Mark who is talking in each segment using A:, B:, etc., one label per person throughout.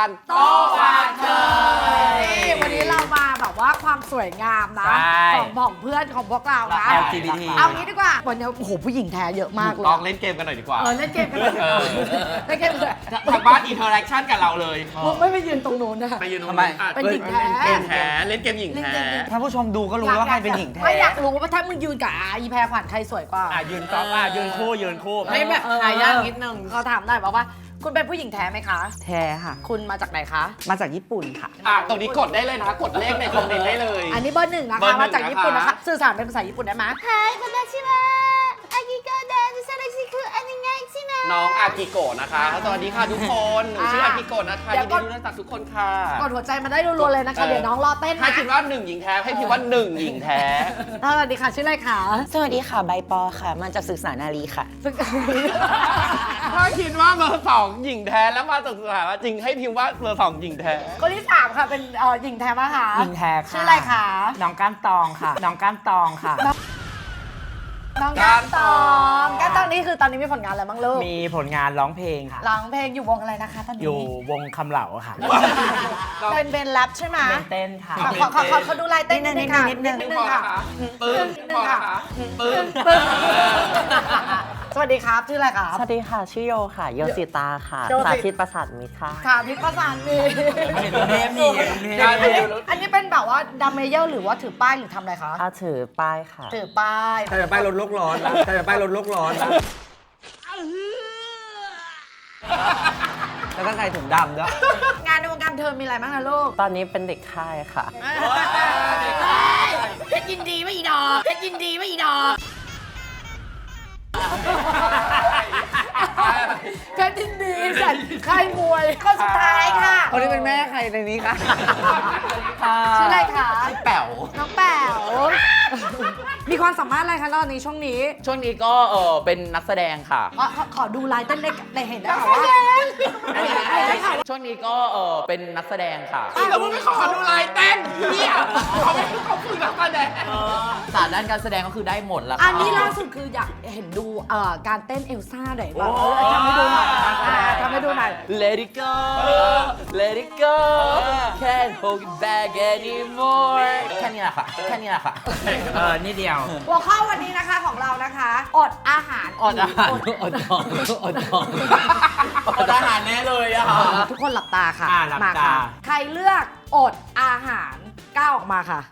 A: การโต๊ะวางเธอ
B: วันนี้เรามาแบบว่าความสวยงามนะของเพื่อนของพวกเรานะ
A: LGBT
B: เอางี้ดีกว่าวันนี้โอ้โหผู้หญิงแท้เยอะมากเลย
A: ลองเล่นเกมกันหน่อยดีกว่า
B: เล่นเกมกันเลยเล่นเกมเลย
A: ทางบ้านอินเทอร์แอคชั่นกับเราเลย
B: มึงไม่ไปยืนตรงนู้นนะ
A: ไปยืนตรง
C: ทำไม
B: เป็นหญิงแท้
A: เล่นแท้เล่นเกมหญิงแท้
C: ท่านผู้ชมดูก็รู้ว่าใครเป็นหญิงแท้
B: ไม่อยากรู้ว่าถ้ามึงยืนกับอีแพรขวัญใครสวยกว่า
A: ยืนก๊อฟยืนคู่
B: ไม่แบบหายากนิดนึงเขาถามได้บอกว่าคุณเป็นผู้หญิงแท้ไหมคะ
C: แท้ค่ะ
B: คุณมาจากไหนคะ
C: มาจากญี่ปุ่นค่ะ
A: ตรงนี้กดได้เลยนะกดเลขในคอมเมนต์ได้เลย
B: อันนี้เบอร์หนึ่งนะ
A: เบอร์
B: คะ
A: หนึ่ง
B: มาจากญี่ปุ่นนะคะสื่อสารเป็นภาษาญี่ปุ่นได้ไหม
D: はいこんにちはアキコですよろしくお願いします
A: น้องอากิโกะนะคะสวัสดีค่ะทุกคนหนูชื่ออากิโกะนะคะยินดีรู้จักทุกคนค่ะ
B: กดหัวใจมาได้รัวๆเลยนะคะเดี๋ยวน้องรอเต้น
A: ถ้า
B: นะ
A: คิดว่า1หญิงแท้ให้พิมพ์ว่า1หญิงแท้
B: สวัสดีค่ะชื่ออะไรคะ
E: สวัสดีค่ะใบปอค่ะ มาจากศึกษานารีค่ะ
A: ถ้าคิดว่าเบอร์2หญิงแท้แล้วมาจากสถานะจริงให้พิมพ์ว่าเบอร์2หญิงแท้
B: คนที่สามค่ะเป็นหญิงแท้ปะคะ
C: หญิงแท้ค่ะ
B: ชื่ออะไรคะ
C: น้องก้านตองค่ะ น้องก้านตองค่ะ
B: น้องก้านตองก้านตองนี่คือตอนนี้มีผลงานอะไรบ้างลูก
C: มีผลงานร้องเพลงค่ะ
B: ร้องเพลงอยู่วงอะไรนะคะตอนนี้
C: อยู่วงคำเหล่าค่ะ
B: เป็นแรปใช่ไหม
C: เป็นเต้นค่ะ
B: ขอดูลายเต้นนิดนึงค่ะ
E: นิดนึง
B: นิดนึงค่ะ
A: ปึ้ง
B: นิดนึงค่ะ
A: ปึ้ง
B: สวัสดีครับชื่ออะไรครับ
E: สวัสดีค่ะ ชื่อโยค่ะ โยสิตาค่ะ
B: โยสิ
E: สาธิตประสาทมิตรค่ะ
B: ค่ะพิภาษามี
C: เห็นเทปนี่เห็นเทปนี่
B: อันนี้เป็นแบบว่าดัมเมเยอร์หรือว่าถือป้ายหรือทำอะไรคะ
E: ถ้าถือป้ายค่ะ
B: ถือป้าย
C: ใครจะไปลดโลกร้อนนะใครจะไปลดโลกร้อนนะแล้วก็ใครถุงดำด้วย
B: งานในวงการเธอมีอะไรบ้างนะลูก
E: ตอนนี้เป็นเด็กค่ายค่ะ
B: เพชรยินดีไม่อีดอกเพชรยินดีไม่อีดอกเพชรยินดีสันค่ายมวยข้อสุดท้ายค่ะ
C: คนนี้เป็นแม่ใครในนี้คะ
B: ชื่ออะไรคะ
A: แป๋ว
B: น้องแป๋วมีความสามารถอะไรคะตอนนี้ช่วงนี้
F: ช่วงนี้ก็เป็นนักแสดงค่ะ
B: ขอดูลายเต้นได้เห็นได้ค่ะว่าได้ค่ะ
F: ช่วงนี้ก็เป็นนักแสดงค่ะ
A: แล้วมึงไม่ขอดูลายเต้นเนี่ยเขาฝึกนักแสดง
F: ศาสตร์ด้านการแสดงก็คือได้หมดแล้ว
B: อั
F: ค่ะ
B: นนี้ล่าสุดคืออยากเห็นดูการเต้นเอลซ่าหน่อยบ้างทำให้ดูหน่อยทำให้ดูหน่อย
F: Let it go Let it go Can't hold it back anymore แค่นี้แหละค่ะ แค่นี้แหละค่ะ
C: นี่เดียว
B: หัวข้อวันนี้นะคะของเรานะคะอดอาหาร
F: อดอาหารอดนอนอดนอนอดอาหารแน่เลยอะค่ะ
B: ทุกคนหลับตาค่ะ
C: หลับ
B: มา
C: ตา
B: ค่ะใครเลือกอดอาหารก้าวออกมาค่ะ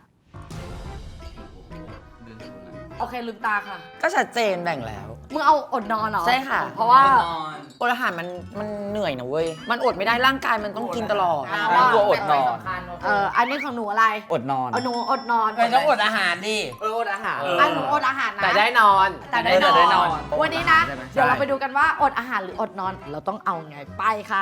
B: โอเคลืมตาค่ะ
E: ก็ชัดเจนแบ่งแล้ว
B: มึงเอาอดนอนเหรอ
E: ใช่ค่ะ
B: เพราะว่า
E: อดอาหารมันเหนื่อยนะเว้ย มันอดไม่ได้ร่างกายมันต้องกินตลอด
F: กลัวอดนอน
B: อันนี้ของหนูอะไร
C: อดนอน
B: หนูอดนอน
F: ไม่ต้องอดอาหารดิ
C: อดอาหาร
B: หนูอดอาหารนะ
F: แต่ได้นอน
B: แต่ได้นอน วันนี้นะ เดี๋ยวเราไปดูกันว่าอดอาหารหรืออดนอน เราต้องเอาไงไปค่ะ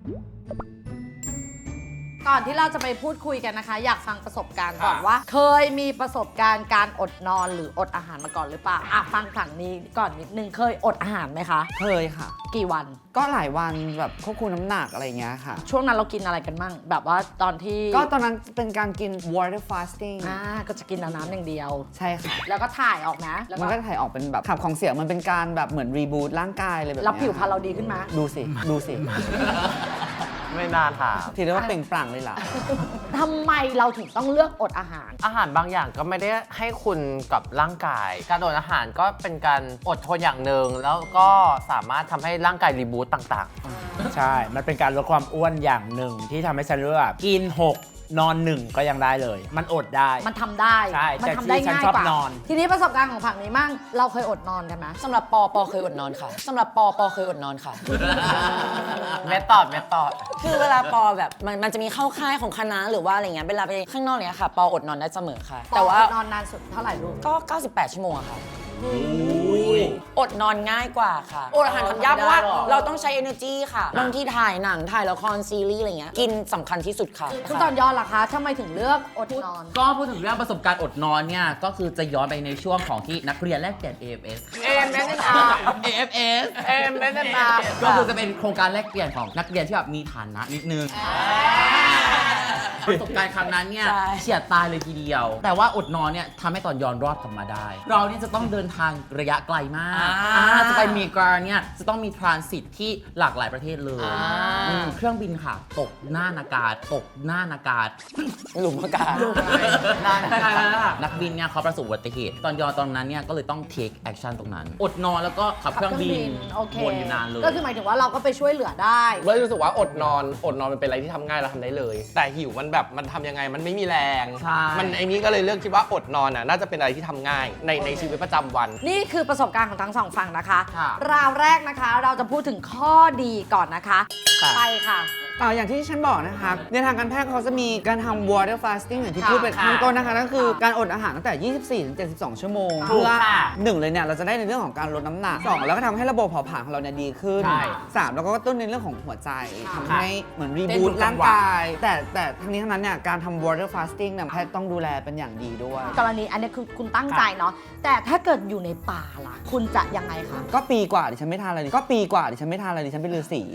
B: ก่อนที่เราจะไปพูดคุยกันนะคะ อยากฟังประสบการณ์ก่อนว่า เคยมีประสบการณ์การอดนอนหรืออดอาหารมาก่อนหรือเปล่าฟังฝั่งนี้ก่อนนิดนึงเคยอดอาหารไหมคะ
C: เคยค่ะ
B: กี่วัน
C: ก็หลายวันแบบควบคุมน้ำหนักอะไรเงี้ยค่ะ
B: ช่วงนั้นเรากินอะไรกันบ้างแบบว่าตอนที่
C: ก็ตอนนั้นเป็นการกิน water fasting
B: ก็จะกินน้ำอย่างเดียว
C: ใช่ค่ะ
B: แล้วก็ถ่ายออกนะแล้ว
C: มันก็ถ่ายออกเป็นแบบขับของเสียมันเป็นการแบบเหมือนรีบูตร่างกายเลยแบบ
B: แล้ว
C: เนี้ย
B: ผิวพรรณเราดีขึ้นไหม
C: ดูสิ ดูสิ
E: ไม่น่าถาม
C: ถือได้ว่าเปล่งปลั่งเลยล่ะ
B: ทำไมเราถึงต้องเลือกอดอาหาร
G: อาหารบางอย่างก็ไม่ได้ให้คุณกับร่างกาย การอดอาหารก็เป็นการอดทนอย่างหนึ่งแล้วก็สามารถทำให้ร่างกายรีบูตต่าง
H: ใช่ มันเป็นการลดความอ้วนอย่างหนึ่งที่ทำให้ฉันรู้ว่ากิน 6 นอน 1 ก็ยังได้เลย มันอดได้
B: มันทำได้
H: ใช่
B: มั
H: แต่
B: ทำได้
H: ที่ฉัน
B: ง่าย
H: ชอบ
B: กว่าน
H: อน
B: ทีนี้ประสบการณ์ของผักนี้มั่งเราเคยอดนอนกันไหม
E: สำหรับปอเคยอดนอนค่ะ สำหรับปอเคยอดนอนค่ะ
G: ๆ เมธอด
E: คือเวลาปอแบบมันจะมีเข้าค่ายของคณะหรือว่าอะไรเงี้ยเวลาไปข้างนอกเนี้ยค่ะ ปออดนอนได้เสมอค่ะ แต่ว่า
B: อดนอนนานสุดเท่าไหร่ลูก
E: ก็ 98 ชั่วโมงอะค่ะ อดนอนง่ายกว่าค่ะ อดอาหารทำยากเพราะว่าเราต้องใช้ energy ค่ะบางที่ถ่ายหนังถ่ายละครซีรีส์อะไรเงี้ย กินสำคัญที่สุดค่ะ
B: คุณตอนยอนล่ะคะทำไมถึงเลือกอดนอน
F: ก็พูดถึงเรื่องประสบการณ์อดนอนเนี่ย ก็คือจะย้อนไปในช่วงของที่นักเรียนแลกเปลี่ยน AFS AFS ก็คือจะเป็นโครงการแลกเปลี่ยนของนักเรียนที่แบบมีฐานะนิดนึงประสบการณ์ครั้งนั้นเนี่ย
E: ใช่
F: เฉียดตายเลยทีเดียว แต่ว่าอดนอนเนี่ยทำให้ตอนย้อนรอดกลับมาได้ เราเนี่ยจะต้องเดินทางระยะไกลมากจะไปอเมริกาเนี่ยจะต้องมีทรานสิตที่หลากหลายประเทศเลยเครื่องบินค่ะตกหน้านากาศ
E: หลุมอากาศ
F: นักบินเนี่ยเขาประสบอุบัติเหตุตอนย้อนตอนนั้นเนี่ยก็เลยต้อง take action ตรงนั้น อดนอนแล้วก็ขับเครื่องบิน
B: โอเค
F: วนอยู่นานเลย
B: ก็คือหมายถึงว่าเราก็ไปช่วยเหลือได้
A: ไม่รู้สึกว่าอดนอนมันเป็นอะไรที่ทำง่ายเราทำได้เลย แต่หิวมันแบบมันทำยังไงมันไม่มีแรง
F: ใช่
A: มันไอ้นี้ก็เลยเลือกคิดว่าอดนอนน่ะน่าจะเป็นอะไรที่ทำง่ายในชีวิตประจำวัน
B: นี่คือประสบการณ์ของทั้งสองฝั่งนะคะ
F: ค่ะ
B: ราวแรกนะคะเราจะพูดถึงข้อดีก่อนนะคะ ไปค่ะ
C: อย่างที่ฉันบอกนะคะในทางการแพทย์เขาจะมีการทำ water fasting อย่างที่พูดไป
F: ค่ะ
C: ข้างต้นนะคะนั่นคือการอดอาหารตั้งแต่ 24 ถึง 72 ชั่วโมง
F: ถูก
C: เพื่อ
F: ค่ะ
C: หนึ่งเลยเนี่ยเราจะได้ในเรื่องของการลดน้ำหนัก 2 แล้วก็ทำให้ระบบเผาผลาญของเราเนี่ยดีขึ้น
F: ใช่
C: 3 แล้วก็กระตุ้นในเรื่องของหัวใจทำให้เหมือนรี
F: เต้น
C: บูต
F: ทุกจั
C: ร่าง ง
F: หวะ
C: กาย แต่ทั้งนี้ทั้งนั้นเนี่ยการทำ water fasting เนี่ยแพทย์ต้องดูแลเป็นอย่างดีด้วย
B: กรณีอันนี้คือคุณตั้งใจเนาะแต่ถ้าเกิดอยู่ในป่าล่ะ คุณจะยังไงคะ
C: ก็ปีกว่าดิฉันไม่ทานอะไรดิฉันเป็นฤาษี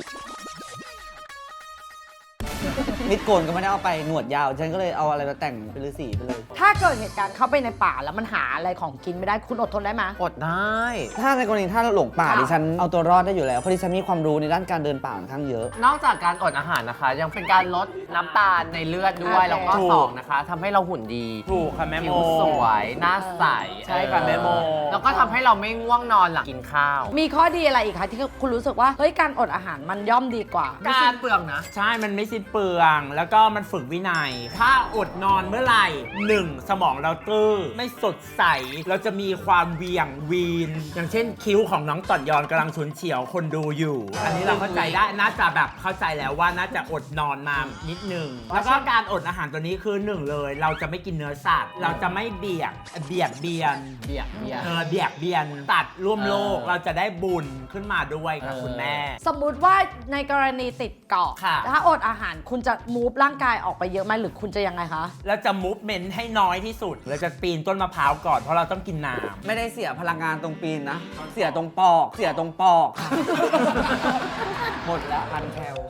C: มิดโกนก็ไม่ได้เอาไปหนวดยาวฉันก็เลยเอาอะไรมาแต่งเป็นฤาษีไปเลย
B: ถ้าเกิดเหตุการณ์เข้าไปในป่าแล้วมันหาอะไรของกินไม่ได้คุณอดทนได้ไหม
G: อดได้
C: ถ้าในกรณีถ้าหลงป่า
B: ค่ะ
C: ดิฉันเอาตัวรอดได้อยู่แล้วเพราะดิฉันมีความรู้ในด้านการเดินป่าค่อนข้างเยอะ
G: นอกจากการอดอาหารนะคะ ยังเป็นการลดน้ำตาลในเลือดด้วย
B: โอเค
G: แล้วก็สองนะคะทำให้เราหุ่นดี
H: ถูกค่ะแม่โม
G: ผิวสวยหน้าใส
H: ใช่ค่ะแม่โม
G: แล้วก็ทำให้เราไม่ง่วงนอนหลังกินข้าว
B: มีข้อดีอะไรอีกคะที่คุณรู้สึกว่าเฮ้ยการอดอาหารมันย่อมดีกว่า
G: การเปลืองนะ
H: ใช่มันไม่สิ้นเปลือง แล้วก็มันฝึกวินัย ถ้าอดนอนเมื่อไหร่ 1. สมองเราตื้อไม่สดใส เราจะมีความเวียงวีน อย่างเช่นคิ้วของน้องต่อนยอนกำลังฉุนเฉียวคนดูอยู่ อันนี้เราเข้าใจได้ น่าจะแบบเข้าใจแล้วว่าน่าจะอดนอนมานิดหนึ่ง แล้วก็การอดอาหารตัวนี้คือ 1 เลย เราจะไม่กินเนื้อสัตว์ เราจะไม่เบียดเบียนตัดร่วมโลก เราจะได้บุญขึ้นมาด้วยค่ะคุณแม่
B: สมมุติว่าในกรณีติดเกาะ
H: ค่ะ
B: ถ้าอดอาหารคุณจะมูฟร่างกายออกไปเยอะไหมหรือคุณจะยังไงคะ
H: แล้วจะมูฟเมนต์ให้น้อยที่สุด เราจะปีนต้นมะพร้าวก่อนเพราะเราต้องกินน้ำ
C: ไม่ได้เสียพลังงานตรงปีนนะ เสียตรงปอก หมดแล้วพันแคล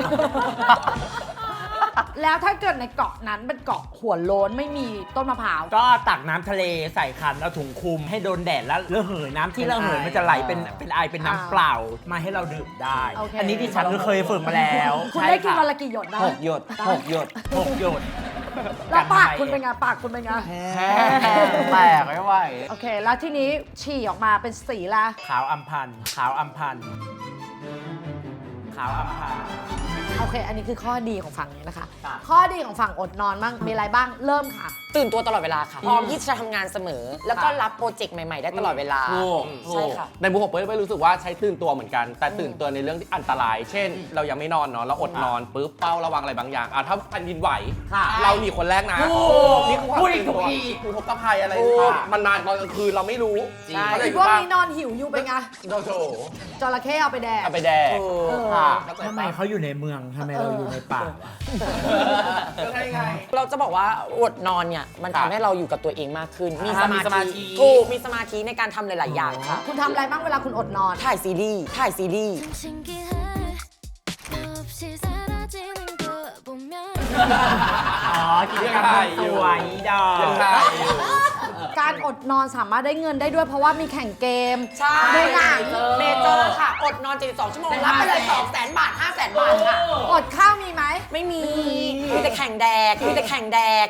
B: แล้วถ้าเกิดในเกาะนั้นเป็นเกาะหัวโล้นไม่มีต้นมะพร้าว
H: ก็ตักน้ำทะเลใส่ขันเอาถุงคลุมให้โดนแดดแล้วระเหยน้ำที่ระเหยมันจะไหลเป็นไอเป็นน้ำเปล่ามาให้เราดื่มได้
B: โอเค
H: อันนี้ที่ฉันก็เคยฝึกมาแล้ว
B: คุณได้กิน
H: ใช่
B: วัน
H: ค่ะ
B: ละกี่หยดได้
C: 6 หยด 6 หยด
H: 6 หยด
B: แล้วปากคุณเป็นไงปากคุณเป็นไง
G: แตกไม่ไหว
B: โอเค แล้วทีนี้ฉี่ออกมาเป็นสีละ
H: ขาวอัมพันธ์ขาวอัมพันธ์ขาวอัมพันธ์
B: โอเค อันนี้คือข้อดีของฝั่งนี้นะคะ ข้อดีของฝั่งอดนอนบ้างมีอะไรบ้างเริ่มค่ะ
E: ตื่นตัวตลอดเวลาค่ะ พร้อมที่จะทำงานเสมอ แล้วก็รับโปรเจกต์ใหม่ ๆ ได้ตลอดเวลา ใช่ค่ะ
A: ในมุมของเป้ยรู้สึกว่าใช้ตื่นตัวเหมือนกัน แต่ตื่นตัวในเรื่องที่อันตราย เช่น เรายังไม่นอนเนาะเราอดนอนปุ๊บเป้าระวังอะไรบางอย่างถ้าแผ่นดินไหว เราหนีคนแรกนะนี่คือความตื่นตัวอุทกภัยอะไรมันนานตอนกลางคืนเราไม่รู้
B: คิดว่ามีนอนหิวอยู่เป็นไง
A: โดโจ
B: จระเข้เอาไปแดก
A: เอาไปแดก
B: ค่ะ
H: ทำไมเขาอยู่ในเมืองทำไมเราอยู่ในป่า
A: ก็ใช่ไง
E: เราจะบอกว่าอดนอนเนี่ยมัน
A: ครับ
E: ทำให้เราอยู่กับตัวเองมากขึ้น มี
F: มีสมาธิ
E: ถูกมีสมาธิในการทำหลาย ๆ อย่างค่ะ
B: คุณทำอะไรบ้างเวลาคุณอดนอน
E: ถ่ายซีรีส์ถ่ายซีรีส์
D: 신기해 없이 사라지는 걸 보면
H: อ๋อกิจกรรมสวยดอก
A: ยังไง
B: การอดนอนสามารถได้เงินได้ด้วยเพราะว่ามีแข่งเกม
E: ใช่
B: ดูหนัง
E: เมเจอร์ค่ะ อดนอน 72 ชั่วโมง รับไปเลย 200,000 บาท 500,000 บาทค่ะ
B: อดข้าวมีไหม
E: ไม่มี มีแต่แข่งแดก มีแต่แข่งแดก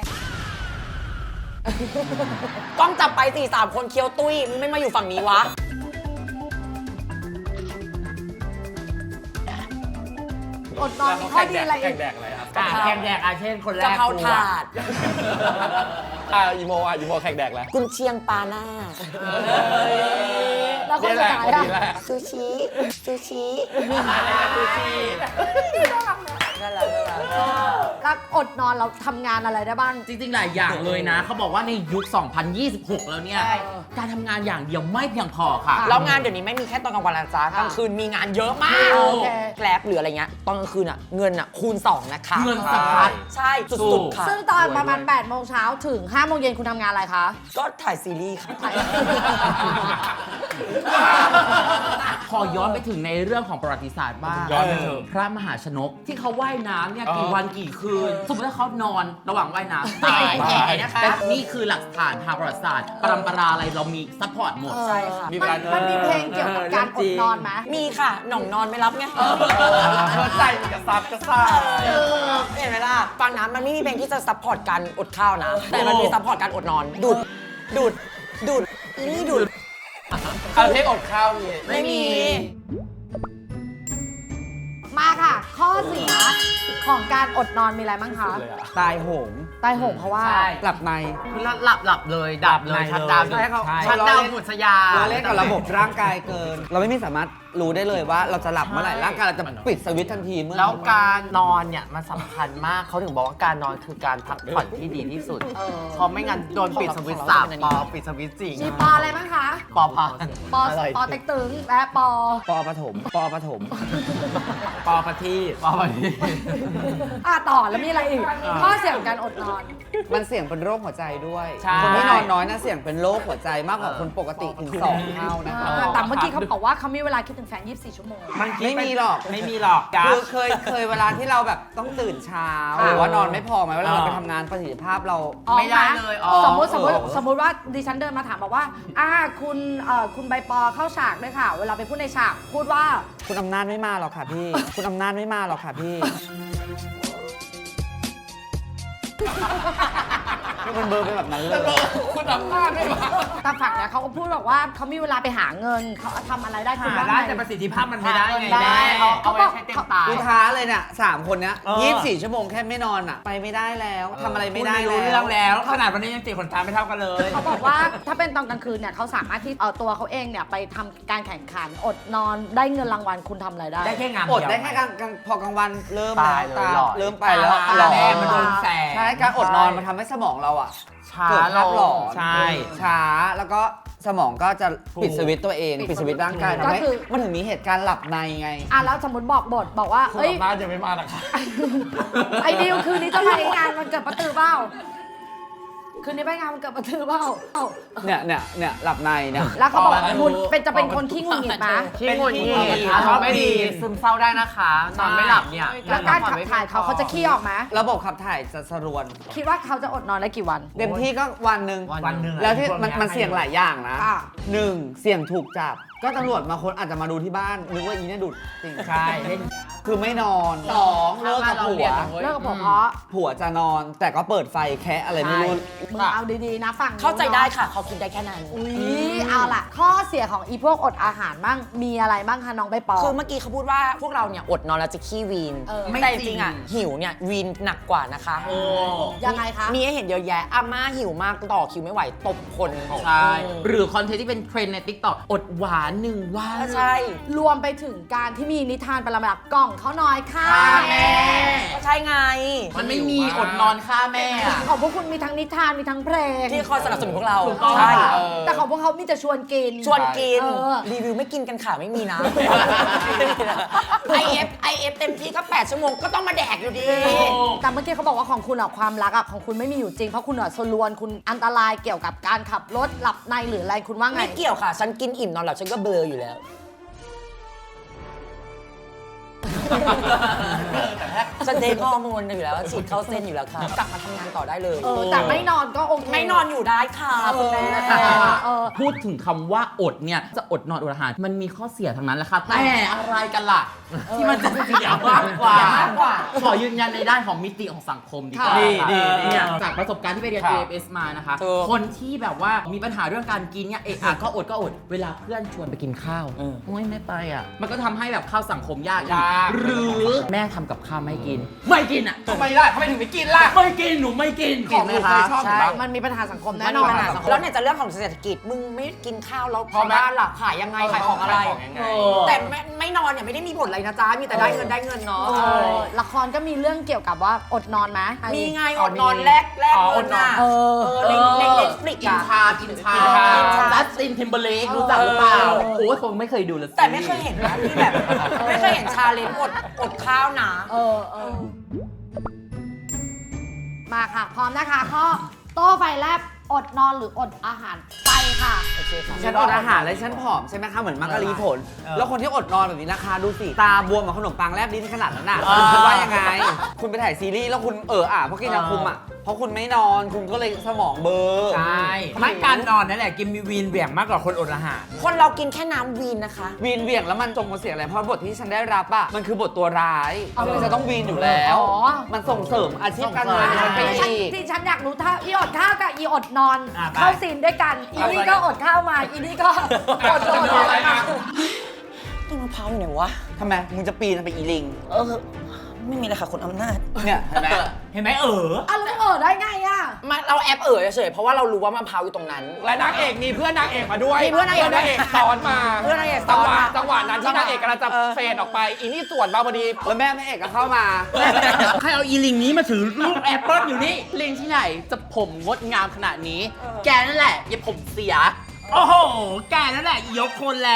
E: กล้องจับไป 4-3 คนเคี้ยวตุ้ย มึงไม่มาอยู่ฝั่งนี้วะ
B: อดนอนมีข้อดีอะไรอี
A: แข่
B: ก
A: งแดกอะไรครับ
H: แข่งแดกอาเช่นคนแร
E: กะ
H: ก
E: เพรา
H: กู
E: ถาด
A: อีโมแข่งแดกแล้ว
E: กุนเชียงปลาหน้า
B: แล้วคนสุดท้าย
A: นี่แหละ
B: อะ
E: ซูชิ ซูชิ
B: แล้วอดนอนเราทำงานอะไรได้บ้าง
F: จริงๆ หลายอย่างเลยนะ เขาบอกว่าในยุค 2026 แล้วเนี่ย การทำงานอย่างเดียวไม่เพียงพอค่ะ
E: แล้วงานเดี๋ยวนี้ไม่มีแค่ตอนกลางวันนะจ๊ะกลางคืนมีงานเยอะมาก
B: โอเค
E: แกร็บหรืออะไรเงี้ย ตอนกลางคืนอ่ะ เงินอ่ะ คูณ 2 นะคะ
F: เงินสะพัด
E: ใช่สุดๆค่ะ
B: ซึ่งตอนประมาณ8โมงเช้าถึง5โมงเย็นคุณทำงานอะไรคะ
E: ก็ถ่ายซีรีส์ค่ะ พ
F: ขอย้อนไปถึงในเรื่องของประวัติศาสตร์บ้าง
H: ย้อนไปเถอะ
F: พระมหาชนกที่เขาว่ายน้ำเนี่ยกี่วันกี่คืน สมมติถ้าเขานอนระหว่างว่ายน้ำตาย
E: ตายนะคะ
F: แต่นี่คือหลักฐานทางประวัติศาสตร์ปรำปราอะไรเรามีซัพพอร์ตหมด
E: ใช่ค่ะ
B: มันมีเพลงเกี่ยวกับการอดนอนไหม
E: มีค่ะ หน่องนอนไม่รับไง
A: เข้าใจมันกระซับกระซ่า
E: เห็นไหมล่ะฟังนะมันไม่มีเพลงที่จะซัพพอร์ตการอดข้าวนะ แต่มันมีซัพพอร์ตการอดนอน ดูดอีนี่ดูด
A: เอาเพลงอดข้าวมี
E: ไม่มี
B: มาค่ะ ข้อเสียของการอดนอนมีอะไรบ้างคะ
C: ตายโหง
B: ตายโหงเพราะว่า
C: หลับใน
F: คือหลับเลยดับเลยชัดดาวน์
C: ใช่เขา
F: ชัดดาวน์หมดสยา
C: เราเล่นกับระบบร่างกายเกิน เราไม่มีสามารถรู้ได้เลยว่าเราจะหลับเมื่อไหร่ร่างกายเราจะปิดสวิตช์ทันทีเมื่อ
G: แล้วการนอนเนี่ยมันสำคัญมากเขาถึงบอกว่าการนอนคือการพักผ่อนที่ดีที่สุดเพราะไม่งั้นโดนปิดสวิตช์3 ปอปิดสวิตช์จริง
B: มีปออะไรบ้างคะ
G: ปอพัน
B: ปอปอเต็กตึงและปอ
C: ปอปฐมปอปฐม
H: ปอประทีป
G: ปอพัน
B: ต่อแล้วมีอะไรอีก ข้อเสียของการอดนอน
C: มันเสี่ยงเป็นโรคหัวใจด้วย
H: ใช่
C: คนที่นอนน้อยนะเสี่ยงเป็นโรคหัวใจมากกว่าคนปกติถึง2 เท่านะคะ
B: แต่เมื่อกี้เขาบอกว่าเขามีเวลาคิดถึงแฟน 24 ชั่วโมง
H: มันคิด
C: ไม่มีหรอก
H: ไม่มีหรอกกั
C: คือ
H: ส
C: เคยเวลาที่เราแบบต้องตื่นเช้าหรือว่านอนไม่พอไหมเวลาเราไปทำงานประสิทธิภาพเรา
F: ไม่ได้เลยอ๋อ
B: สมมติว่าดิฉันเดินมาถามบอกว่าคุณใบปอเข้าฉากด้วยค่ะ เวลาไปพูดในฉากพูดว่า
C: คุณอำนาจไม่มาหรอกค่ะพี่ คุณอำนาจไม่มาหรอกค่ะพี่มันเบอร์ไปแบบนั้นเลย
A: คุณอำนาจไม่มา
B: ตามฝักเนี่ยเขาก็พูดบอกว่าเขามีเวลาไปหาเงินเขาทำอะไรได้คุณ
H: หา
B: ว่า
H: ได้
B: ไง
H: แต่ประสิทธิภาพมันไม่ได้ไง
G: ได้
H: แม่
G: เอาไว้ใช้เต็มตา
C: กูท้าเลยเนี่ย3 คนเนี้ย
H: เออ
C: 24 ชั่วโมงแค่ไม่นอนอ่ะ ไปไม่ได้แล้วทำอะไรไม่ได้
H: รู้
C: แล้
H: เรื่อง
C: ว
H: แล้ว ขนาดวันนี้ยังตีขนตาไม่เท่ากันเลย
B: เขาบอกว่าถ้าเป็นตอนกลางคืนเนี่ยเขาสามารถที่ตัวเขาเองเนี่ยไปทำการแข่งขันอดนอนได้เงินรางวัลคุณทำอะไรได้
H: ได้แค่งาน
C: อด
H: เดียว
C: ได้แค่กลางพอกลางวันเริ่ม
G: ตาย
C: แล้ว
G: เลยหลอด
C: เริ่มไปแล้ว
B: ตา
C: หลอ
H: แม่
C: ด
H: มันโดนแสง
C: ใช่การอดนอนมันทำให้สมองเราอ่ะ
G: ช้า
C: เกิด
G: ล
C: ภาพหลอง น
H: ใช่
C: ช้าแล้วก็สมองก็จะปิดสวิตช์ตัวเองปิดสวิตช์ร่างกายทำให้มันถึงมีเหตุการณ์หลับในไง
B: แล้วสมมติบอกบทบอกว่า
A: คุณ
B: เอ้ย
A: อำนาจยังไม่มานะคะ
B: ไอ้ดิวคืนนี้จะไปงานมันเกิดประตือเปล่าคืนนี้ไปงานมันเกิดประตือเปล่า
C: เนี่ยหลับในเนี่ย
B: แล้วเขาบอกคุณจะเป็นคนขี้หงุดหงิดไหม
G: ที่หงุดหงิดชอบไม่ดีซึมเศร้าได้นะคะนอนไม่หลับเนี่ย
B: แล้วการขับถ่ายเขาจะขี้ออกไหม
C: ระบบขับถ่ายจะสรวน
B: คิดว่าเขาจะอดนอนได้กี่วัน
C: เต็มที่ก็วันหนึ่ง
H: วันหนึ่งอะ
C: แล้วที่
H: พวก
C: มันเสี่ยงหลายอย่างนะ
B: ค่ะ
C: 1 เสี่ยงถูกจับ ก็ตำรวจมาคนอาจจะมาดูที่บ้านนึกว่าอีเนี่ยดุดจริง
H: ใช่เล่น
C: คือไม่นอน 2 เลิกกับผัว
B: เลิกกับผมเพราะ
C: ผัวจะนอน แต่ก็เปิดไฟแคะอะไรไม่รู้
B: มึงเอาดีๆนะฝั่งนู้น
E: เข้าใจได้ค่ะ เขาคิดได้แค่นั้น
B: อุ้ยเอาล่ะ ข้อเสียของอีพวกอดอาหารบ้างมีอะไรบ้างคะน้องใบปอ
E: คือเมื่อกี้เขาพูดว่าพวกเราเนี่ยอดนอนแล้วจะขี้วีน
B: เออ
E: แต่จริงๆอ่ะหิวเนี่ยวีนหนักกว่านะคะ
B: ยังไงคะ
E: มีให้เห็นเยอะแยะอาม่าหิวมากต่อคิวไม่ไหวตบคน
F: ใช่ หรือคอนเทนต์ที่เป็นเทรนด์ใน TikTok อดหวาน1 วัน
E: ใช่
B: รวมไปถึงการที่มีนิทานประมาณกล่องเขาน้อยค่ะ
F: แม่
E: ก็ใช่ไง
F: มันไม่มีอดนอนฆ่าแม่อะ
B: ของพวกคุณมีทั้งนิทานมีทั้งเพลง
E: ที่คอยสนับสนุนพวกเรา
F: ถูกต้อง
E: ใช่
B: แต่ของพวกเขามีแต่ชวนกิน
E: ชวนกิน
B: เออ
E: รีวิวไม่กินกันค่ะไม่มีนะ IF เต็มที่ก็ 8 ชั่วโมงก็ต้องมาแดกอยู่ดี
B: แต่เมื่อกี้เขาบอกว่าของคุณอะความรักอะของคุณไม่มีอยู่จริงเพราะคุณอะสลวนคุณอันตรายเกี่ยวกับการขับรถหลับในหรืออะไรคุณว่าไง
E: ไม่เกี่ยวค่ะ ฉันกินอิ่มนอนหลับฉันก็เบลออยู่แล้ว ฉันเทคฮอร์โมนอยู่แล้วฉีดเข้าเส้นอยู่แล้วค่ะ กลับมาทำงานต่อได้เลย
B: แต่ไม่นอนก็โอเค
E: ไม่นอนอยู่ได้ค่ะคุณแม่
F: พูดถึงคำว่าอดเนี่ย จะอดนอนอดอาหาร มันมีข้อเสียทั้งนั้นแหละค่ะ แต่อะไรกันล่ะ ที่มันจะเสียมากกว่า ขอยืนยันในด้านของมิติของสังคมดีกว่า
C: ดี
F: ค่ะ
C: ดี
F: เนี่ยจากประสบการณ์ที่ไปเรียน AFS มานะคะ
E: ถูก
F: คนที่แบบว่ามีปัญหาเรื่องการกินเนี่ยก็อดเวลาเพื่อนชวนไปกินข้าวโอ้ยไม่ไปอ่ะมันก็ทำให้แบบเข้าสังคมยากอีกหรือแม่ทำกับข้าวไม่กิน ไม่กินอ่ะ
A: ทำไมล่ะทำไมถึงไม่กินล่ะ
F: ไม่กินหนูไม่กิน
A: ของหนูเคยชอบ
B: ใช่
A: บ้าง
B: มันมีปัญหาสังคมแน่
E: แน่
B: น
E: น
B: อ
E: อน นแล้วเนี่ยจะเรื่องของเศรษฐกิจมึงไม่กินข้าวแล้ว
A: พอไหม
E: บ้านล่ะขายยังไงขายของอะไร
A: ขายของยังไง
E: แต่ไม่นอนเนี่ยไม่ได้มีผลอะไรนะจ๊ะมีแต่ได้เงินเนาะ
B: ละครก็มีเรื่องเกี่ยวกับว่าอดนอนไหม
E: มีไงอดนอนแลกเงินน่ะ
B: เออ
E: ในเน็ตฟลิก
F: กิน
E: อะ
F: ชาจัสตินทิมเบอร์เลกรู้จักหรือเปล่า โอ้ยคงไม่เคยดูเลย
E: แต่ไม่เคยเห็นนะที่แบบ ไม่เคยเห็นชาเลนจ์อดข้าวนะ
B: มาค่ะ พร้อมนะคะข้อโต้ไฟแลบอดนอนหรืออดอาหารไปค่ะ
C: ฉันอดอาหารแล้วฉันผอมใช่ไหมคะเหมือนมักกะลีผล แล้วคนที่อดนอนแบบนี้นะคะดูสิตาบวมเหมือนขนมปังแลบลิ้นขนาดนั้นน่ะคุณคิดว่ายังไง คุณไปถ่ายซีรีส์แล้วคุณเพราะกินยาคุมอ่ะเพราะคุณไม่นอนคุณก็เลยสมองเบลอ
H: ใช่ไม่การนอนนั่นแหละกินมีวีนเหวี่ยงมากกว่าคนอดอาหาร
E: คนเรากินแค่น้ำวีนนะคะ
C: วีนเหวี่ยงแล้วมันส่งผลเสียอะไรเพราะบทที่ฉันได้รับอ่ะมันคือบทตัวร้ายมันจะต้องวีนอยู่แล้ว
B: อ๋อ
C: มันส่งเสริมอาชีพการงานฉันไปอีก
B: ที่ฉันอยากรู้ถ้าอีอดข้าวกับอีอดนอน
H: อ่ะไป
B: เข้าซีนด้วยกันอีนี่ก็อดข้าวมาอีนี่ก็อดนอนมา
E: ต้นมะพร้าวอยู่ไหนวะ
C: ทำไมมึงจะปีนไปอีลิง
E: ไม่มีเลยค่ะคนอำนาจ
C: เนี่ยเห็นไหม
H: เห็นไหม
B: อ่ะแล้วได้ไงอ่ะ
E: มาเราแอปเฉยๆเพราะว่าเรารู้ว่ามะพร้าวอยู่ตรงนั้น
A: และนางเอกมีเพื่อนนางเอกมาด้วย
E: มีเพื่อนนางเอกด้วย
A: สอนมา
E: เพื่อนนางเอกสอนมา
A: จังหวะนั้นที่นางเอกกำลังจะเฟดออกไปอีนี่สวนมาพอดี
C: แล้วแม่เอกก็เข้ามา
F: ใครเอาอีลิงนี้มาถือลูกแอปเปิลอยู่นี่ ลิงที่ไหนจะผมงดงามขนาดนี้ แกนั่นแหละอย่าผมเสีย
H: โอ้โห แกนั่นแหละยกคนแรง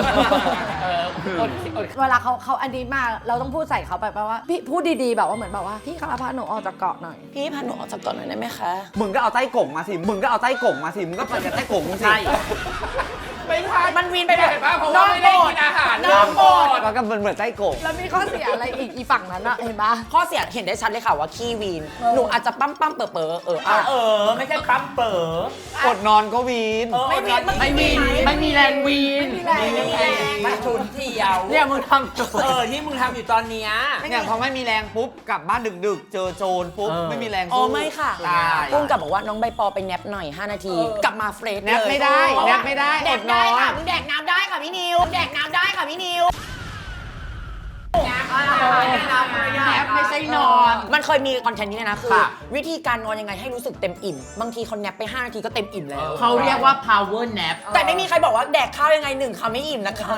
B: เวลาเขาอันนี้มาเราต้องพูดใส่เขาไปว่าพี่พูดดีๆแบบว่าเหมือนแบบว่าพี่คะพาหนูออกจากเกาะหน่อย
E: พี่พาหนูออกจากก่อนหน่อยได้ไหมคะ
C: มึงก็เอาใต้กงมาสิ มึงก็เอาใต้กงมาสิ มึงก็ไปกับใต้กงมึงสิ
H: ใช่
A: ไม่ใช่
E: มันวีนไปแบบ
A: เห็นปะเพราะว่าไม่ได้กินอาหาร
E: น้องโบด
C: แล้วก็เหมือนใต้กง
B: แล้วมีข้อเสียอะไรอีกฝั่งนั้นอะเห็นปะ
E: ข้อเสียเห็นได้ชัดเลยค่ะว่าขี้วีน หนูอาจจะปั้มเป๋อ
H: ไม่ใช่ปั๊มเป๋อ
C: อดนอนก็วีน
E: ไม่วีน
F: ไม่มีไม่มีแรงวีน
E: ไม่ชุนเที่ยว
C: เนี่ยมึงทำตัว
H: ที่มึงทำอยู่ตอนเนี้ย
C: เนี่ยพอไม่มีแรงปุ๊บกลับบ้านดึกๆ เจอโจรปุ๊บไม่มีแรง
E: อ๋อ
C: สู้
E: ไม่ค่ะ
C: ตาย
E: กุ้งกับบอกว่าน้องใบปอไปแนบหน่อย 5 นาที กลับมาเฟรช
C: แนบไม่ได้แนบไม่ได้
E: แด
C: อก ดน
E: ได้
C: อน
E: ค่ะมึงแดกน้ำได้ค่ะพี่นิวแดกน้ำได้ค่ะพี่นิว
F: แอปไม่ใช่นอน
E: มันเคยมีคอนเทนต์นี้นะคือ
F: ค่ะ
E: วิธีการนอนยังไงให้รู้สึกเต็มอิ่ม บางทีเขาแนบไป 5 นาทีก็เต็มอิ่มแล้ว
F: เขาเรียกว่า power nap
E: แต่ไม่มีใครบอกว่าแดกข้าวยังไง1 คำไม่อิ่มนะคะ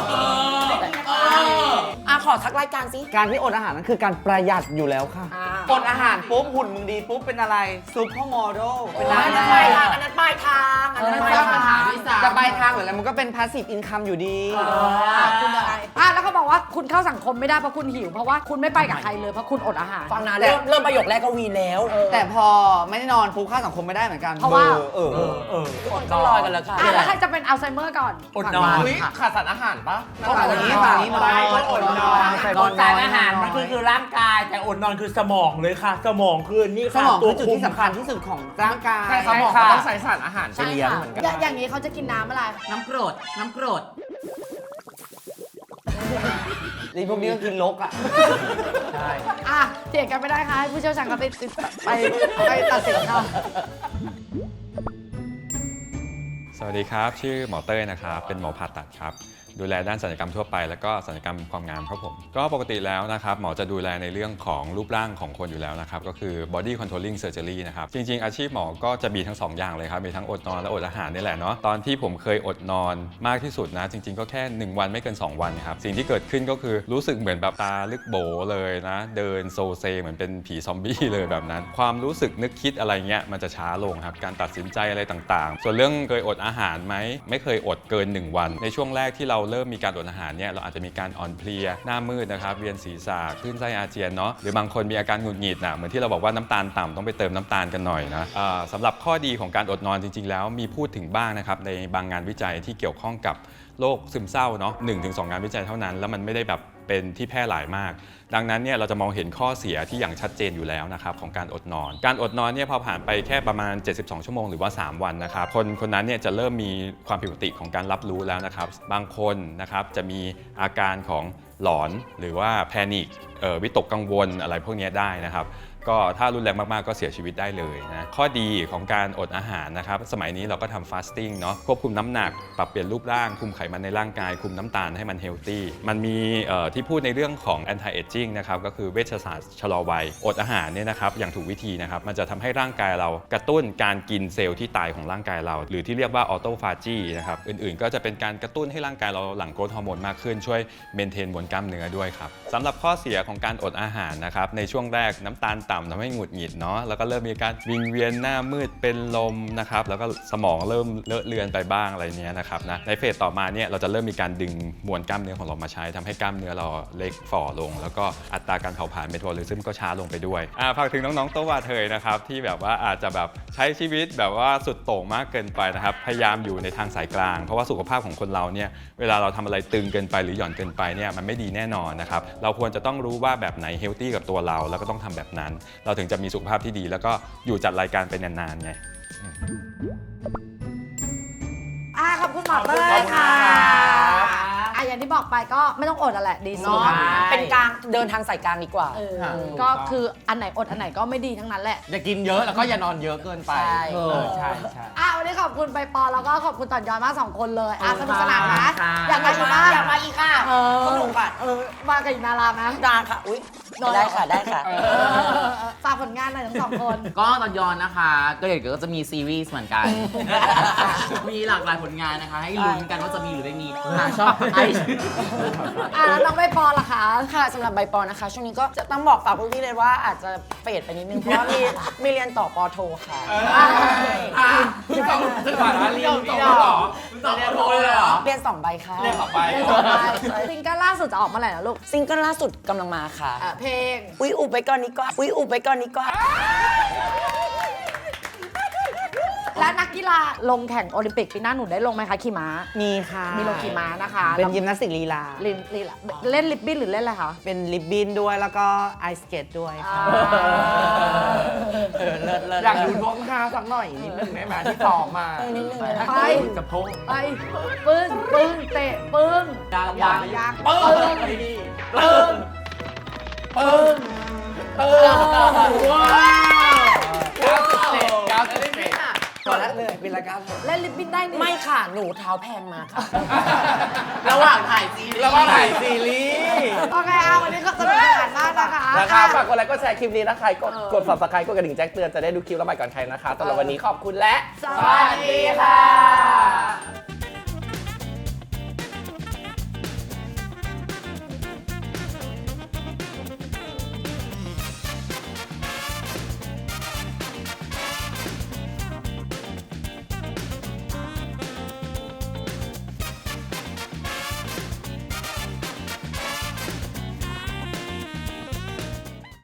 E: ขอทักรายการสิ
C: การที่อดอาหารนั่นคือการประหยัดอยู่แล้วค่ะอดอาหารปุ๊บหุ่นมึงดีปุ๊บเป็นอะไรซุปเปอร์โมเดลเป็น
E: อั
C: นาน ง
E: นั้น
C: แบ
E: ปลาย
C: บ
E: ทางอันนั้นปลายทางอันนั้นปลาย
F: สร้างปัญ
E: ทา
F: หาง ที่สาม
C: จะไปทางหรืออะไรมันก็เป็นพาสซีฟอินคัมอยู่ดี
B: คุณอะไรแล้วเขาบอกว่าคุณเข้าสังคมไม่ได้เพราะคุณหิวเพราะว่าคุณไม่ไปกับใครเลยเพราะคุณอดอาหาร
E: ฟังนะเริ่มประโยคแรกก็วีนแล้ว
C: แต่พอไม่ได้นอนปุ๊บเข้าสังคมไม่ได้เหมือนกัน
B: เพราะว่า
E: ทุกคนก็ลอยกันแล้วค่ะ
B: แล้วใครจะเป็นอัลไซเมอร์ก่อน
H: อดนอน
A: อุ๊ยขาดสารอาหารปะ
C: ฝั่งนี้ฝั่งนี้นอน
H: อดนอนอดสารอาหารมันคือร่างกาย แต่อดนอนคือสมองเลยค่ะ สมองคือนี่
C: ส
H: ค่ะ
C: มอง
H: ตั
C: คื
H: ว
C: อจุด
H: คุม
C: ที่สำคัญที่สุดของร่างกาย
A: แต่สมองเขาต้องใส่สารอาหารไป
B: ใช่
A: เลี้ยง
B: ค่ะ
A: เหมือนกัน
B: อย่างนี้เขาจะกินน้ำอะไร
F: น้ำกรด น้ำกรด
C: นี่พวกนี้ก็กินลกอ่ะ
B: เถียงกันไม่ได้ค่ะให้ผู้เชี่ยวชาญเขาไปตัดสินค่ะ
I: สวัสดีครับ ชื่อหมอเต้ยนะครับ เป็นหมอผ่าตัดครับ ดูแลด้านศัลยกรรมทั่วไปแล้วก็ศัลยกรรมความงามครับผม ก็ปกติแล้วนะครับหมอจะดูแลในเรื่องของรูปร่างของคนอยู่แล้วนะครับ ก็คือ body controlling surgery นะครับ จริงๆ อาชีพหมอก็จะมีทั้ง 2 อย่างเลยครับ มีทั้งอดนอนและอดอาหารนี่แหละเนาะ ตอนที่ผมเคยอดนอนมากที่สุดนะ จริงๆ ก็แค่ 1 วันไม่เกิน 2 วันครับ สิ่งที่เกิดขึ้นก็คือรู้สึกเหมือนแบบตาลึกโบเลยนะ เดินโซเซเหมือนเป็นผีซอมบี้เลยแบบนั้น ความรู้สึกนึกคิดอะไรเงี้ยมันจะช้าลงครับ การตัดสินใจอะไรต่างๆ ส่วนเรื่องเคยอดอาหารไหมไม่เคยอดเกิน 1 วัน ในช่วงแรกที่เราเริ่มมีการอดอาหารเนี่ยเราอาจจะมีการอ่อนเพลียหน้ามืดนะครับเวียนศีรษะคลื่นไส้อาเจียนเนาะหรือบางคนมีอาการหงุดหงิดนะเหมือนที่เราบอกว่าน้ำตาลต่ำต้องไปเติมน้ำตาลกันหน่อยนะสำหรับข้อดีของการอดนอนจริงๆแล้วมีพูดถึงบ้างนะครับในบางงานวิจัยที่เกี่ยวข้องกับโรคซึมเศร้าเนาะ 1-2 งานวิจัยเท่านั้นแล้วมันไม่ได้แบบเป็นที่แพร่หลายมากดังนั้นเนี่ยเราจะมองเห็นข้อเสียที่อย่างชัดเจนอยู่แล้วนะครับของการอดนอนการอดนอนเนี่ยพอผ่านไปแค่ประมาณ72ชั่วโมงหรือว่า3วันนะครับคนนั้นเนี่ยจะเริ่มมีความผิดปกติของการรับรู้แล้วนะครับบางคนนะครับจะมีอาการของหลอนหรือว่าแพนิควิตกกังวลอะไรพวกนี้ได้นะครับก็ถ้ารุนแรงมากๆก็เสียชีวิตได้เลยนะข้อดีของการอดอาหารนะครับสมัยนี้เราก็ทำฟาสติ้งเนาะควบคุมน้ำหนักปรับเปลี่ยนรูปร่างคุมไขมันในร่างกายคุมน้ำตาลให้มันเฮลตี้มันมีที่พูดในเรื่องของ anti aging นะครับก็คือเวชศาสตร์ชะลอวัยอดอาหารเนี่ยนะครับอย่างถูกวิธีนะครับมันจะทำให้ร่างกายเรากระตุ้นการกินเซลล์ที่ตายของร่างกายเราหรือที่เรียกว่าออโตฟาจีนะครับอื่นๆก็จะเป็นการกระตุ้นให้ร่างกายเราหลั่งโกรทฮอร์โมนมากขึ้นช่วยเมนเทนมวลกล้ามเนื้อด้วยครับสำหรับข้อเสียของการอดอาหารนะครับในช่วงแรกน้ำตาลต่ำทำให้หงุดหงิดเนาะแล้วก็เริ่มมีการวิงเวียนหน้ามืดเป็นลมนะครับแล้วก็สมองเริ่มเลอะเลือนไปบ้างอะไรเนี้ยนะครับนะในเฟสต่อมาเนี่ยเราจะเริ่มมีการดึงมวลกล้ามเนื้อของเรามาใช้ทำให้กล้ามเนื้อเราเล็กฝ่อลงแล้วก็อัตราการเผาผลาญเมตาบอลิซึมก็ช้าลงไปด้วยฝากถึงน้องๆโตวาเทยนะครับที่แบบว่าอาจจะแบบใช้ชีวิตแบบว่าสุดโต่งมากเกินไปนะครับพยายามอยู่ในทางสายกลางเพราะว่าสุขภาพของคนเราเนี่ยเวลาเราทำอะไรตึงเกินไปหรือหย่อนเกินไปเนี่ยมันไม่ดีแน่นอนนะครับเราควรจะต้องรู้ว่าแบบไหนเฮลตี้กับตัวเราแล้วก็ต้องทำแบบนั้นเราถึงจะมีสุขภาพที่ดีแล้วก็อยู่จัดรายการไปนานๆไง
B: ขอบคุณหมอเต้ยค่ะอย่างที่บอกไปก็ไม่ต้องอดอ่ะแหละดีสุด
E: เป็นกลางเดินทางสายกลางดีกว่า
B: ก็คืออันไหนอดอันไหนก็ไม่ดีทั้งนั้นแหละ
A: อย่ากินเยอะแล้วก็อย่านอนเยอะเกินไป
B: ใช่
H: ใช่
B: วันนี้ขอบคุณใบปอแล้วก็ขอบคุณต่อนยอนมาก2 คนเลยสนุกสนานนะ
F: ค่ะ
B: อยากมาอีกบ้าง
E: อยากมาอีกค่ะสนุกค่ะ
B: มากับอีกนาราไหม
E: ได้ค่ะ อุ๊ย ได้ค่ะ ได้ค่ะ
B: ฝากผลงานหน่อยทั้ง2 คน
F: ก็ตอนย้อนนะคะ ก็เดี๋ยวก็จะมีซีรีส์เหมือนกัน มีหลากหลายผลงานนะคะ ให้ลุ้นกันว่าจะมีหรือไม่มีหาชอบไอ
B: แล้วน้องใบปอล่ะคะ
E: ค่ะสำหรับใบปอนะคะ ช่วงนี้ก็จะต้องบอกฝากพวกพี่เลยว่าอาจจะเฟดไปนิดนึง เพราะว่ามีเรียนต่อปอโทค่ะ
A: พี่ต้องจะผ่านเรียนต่อหรอต่อโทเลยเหรอ
E: เรียน2 ใบค่ะ
A: เรียนต่อไป
B: ซิงเกิลล่าสุดจะออกเมื่อไหร่นะลูก
E: ซิงเกิลล่าสุดกำลังมาค่ะ
B: เพลง
E: อุ๊ยอุบไปก่อนนี้ก่อนอุ๊ยอุบไปก่อนนี้ก่อน
B: และนักกีฬาลงแข่งโอลิมปิกปีหน้าหนูได้ลงไหมคะขี่ม้า
C: มีค่ะ
B: มีลงขี่ม้านะคะ
C: เป็นยิมนาสติกลีลา
B: เล่นลิบบิ้นหรือเล่นอะไรคะ
C: เป็นริบบิ้นด้วยแล้วก็ไอสเกตด้วยค่ะ
A: อยากดูดวงท่าสักหน่อยนิดนึงได้ไหมที่ซ้อมมา
B: ไป
H: กับพง
B: ไปปึ้งเตะปึ้งยางปึ้ง
C: พอแล้วเลยเป็นรายการ
B: เล่นลิบบิ้นได้นี่
E: ไม่ค่ะ หนูเท้าแพงมาค่ะ
F: ระหว่างถ่ายซีรีส์
A: แล้วก็ถ่ายซีรีส์
B: โอเควันนี้ก็สนุกสนานมากนะคะ
A: นะครับฝากกดไลค์กดแชร์คลิปนี้นะใครกด subscribe กดกระดิ่งแจ้งเตือนจะได้ดูคลิปแล้วใหม่ก่อนใครนะคะสำหรับวันนี้ขอบคุณและ
B: สวัสดีค่ะ